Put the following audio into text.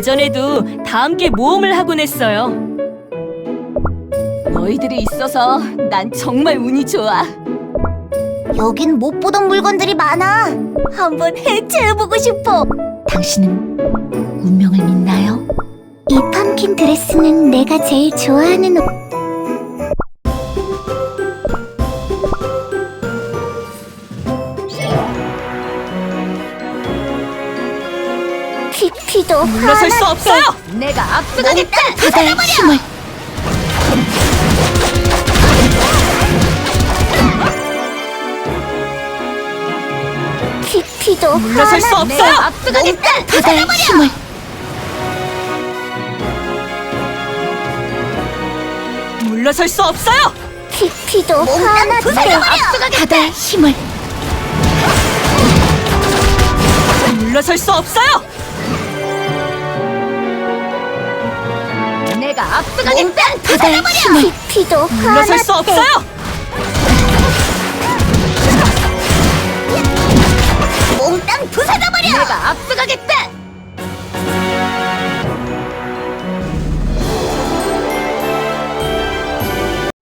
예전에도 다 함께 모험을 하곤 했어요. 너희들이 있어서 난 정말 운이 좋아. 여긴 못 보던 물건들이 많아. 한번 해체해보고 싶어. 당신은 운명을 믿나요? 이 펌킨 드레스는 내가 제일 좋아하는 옷. 피피도 물러설 수 없어요! 내가 압수하겠다. 바다의 힘을. 피피도 물러설 수 없어요! 압수하겠다. 바다의 힘을. 물러설 수 없어요! 피피도 화났어. 바다의 힘을. 물러설 수 없어요! 내가 압수하겠다. 바다의 힘을. 피피도 물러설 수 화났대. 없어요!